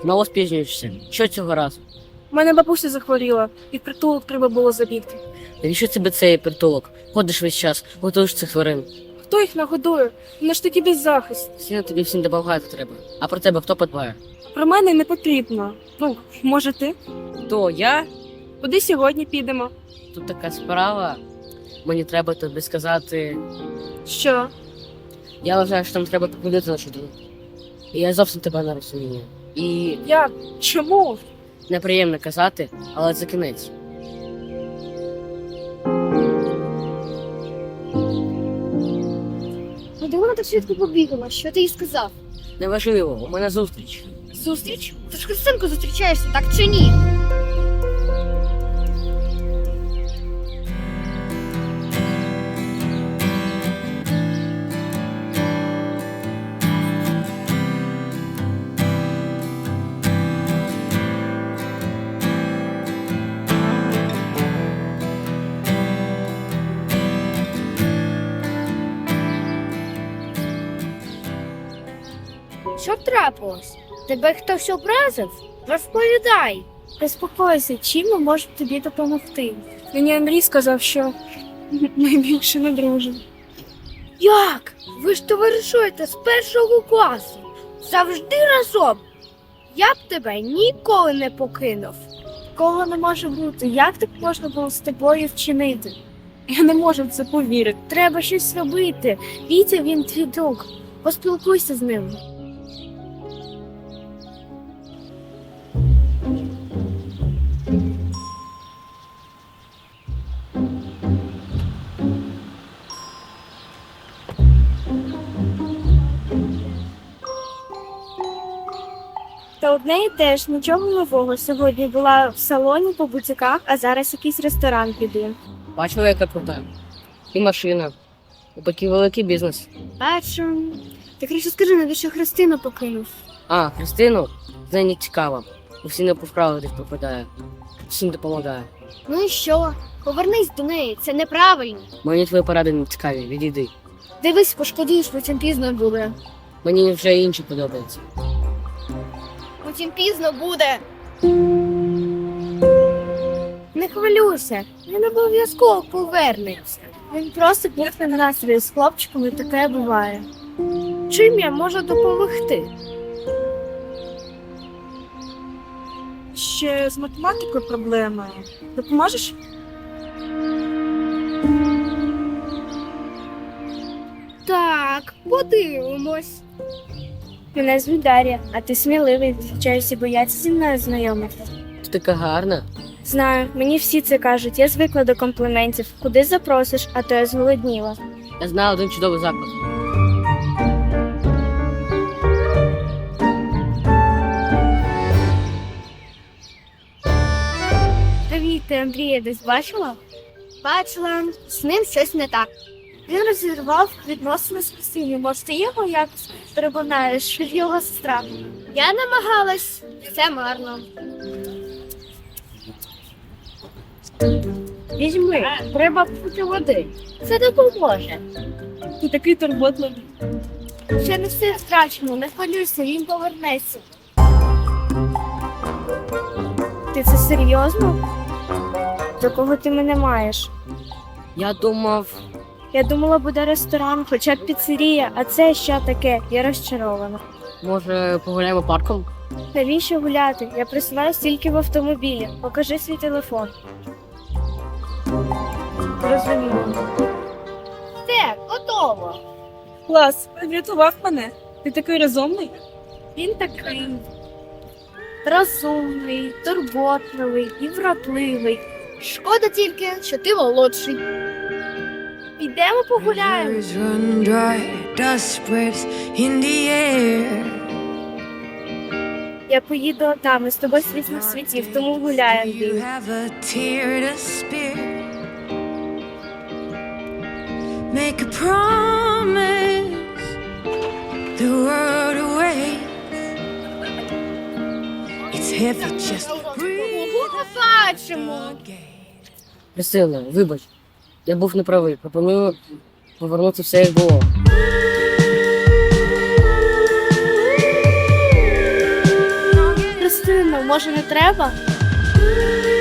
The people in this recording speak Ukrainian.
Знову спізнюєшся. Що цього разу? У мене бабуся захворіла, і в притулок треба було забігти. Навіщо тебе цей притулок? Ходиш весь час, готуєш цих тварин. Хто їх нагодує? Вони ж таки беззахисні. Всі на тобі всім допомагати треба. А про тебе хто подбає? Про мене не потрібно. Ну, може ти? То я? Куди сьогодні підемо? Тут така справа. Мені треба тобі сказати. Що? Я вважаю, що нам треба покладати нашу дружбу. І я зовсім тебе не розумію. І Як? Чому? неприємно казати, але це кінець. Куди вона так швидко побігла? Що ти їй сказав? Неважливо, у мене зустріч. Зустріч? Ти ж Христинку зустрічаєшся, так чи ні? Що трапилось? Тебе хтось образив? Розповідай. Заспокойся, чим ми можемо тобі допомогти? Мені Андрій сказав, що ми більше не дружимо. Як? Ви ж товаришуєте з першого класу. Завжди разом. Я б тебе ніколи не покинув. Такого не може бути. Як так можна було з тобою вчинити? Я не можу в це повірити. Треба щось робити. Вітя, він твій друг. Поспілкуйся з ним. Та одне і теж нічого нового. Сьогодні була в салоні по бутіках, а зараз якийсь ресторан піде. Бачила, яка крута. І машина. І такий великий бізнес. Бачу. Ти краще скажи, навіщо Христину покинув? А, Христину, з нею не цікаво. Усі не по справах десь пропадає. Всім допомагає. Ну і що? Повернись до неї, це неправильно. Мені твої поради не цікаві, відійди. Дивись, пошкодуєш, потім пізно буде. Мені вже інші подобаються. Потім пізно буде. Не хвилюйся, він обов'язково повернеться. Він просто був на настрій з хлопчиком, і таке буває. Чим я можу допомогти? Ще з математикою проблема. Допоможеш? Так, подивимось. Мене звуть Дар'я, а ти сміливий, вчаюся бояться зі мною знайомитися. Ти така гарна. Знаю, мені всі це кажуть, я звикла до компліментів. Куди запросиш, а то я зголодніла. Я знаю один чудовий заклад. Привіт, ти Андрія десь бачила? Бачила, з ним щось не так. Він розірвав відносини з Христиною. Може, ти його якось переконаєш, від його сестра. Я намагалась, це марно. Візьми, треба пити води. Це допоможе. Ти такий турботливий. Ще не все втрачено, не хвилюйся, він повернеться. Ти це серйозно? До кого ти мене маєш? Я думав, Я думала, буде ресторан, хоча б піцерія, а це що таке? Я розчарована. може, погуляємо парком? Навіщо гуляти? Я присилаюсь тільки в автомобілі. Покажи свій телефон. Розумію. Все, готово. Клас, врятував мене. Ти такий розумний? Він такий розумний, турботливий і вродливий. Шкода тільки, що ти молодший. Підемо погуляємо. Rivers run dry, dust spreads in the air. Я поїду там, і з тобою світ на світів, тому гуляємо. You have a tear to spare. Make a promise, the world away. It's heavy, just Побачимо. Христина, вибач. Я був неправий. Пропоную повернути все, як було. Ірина, може не треба?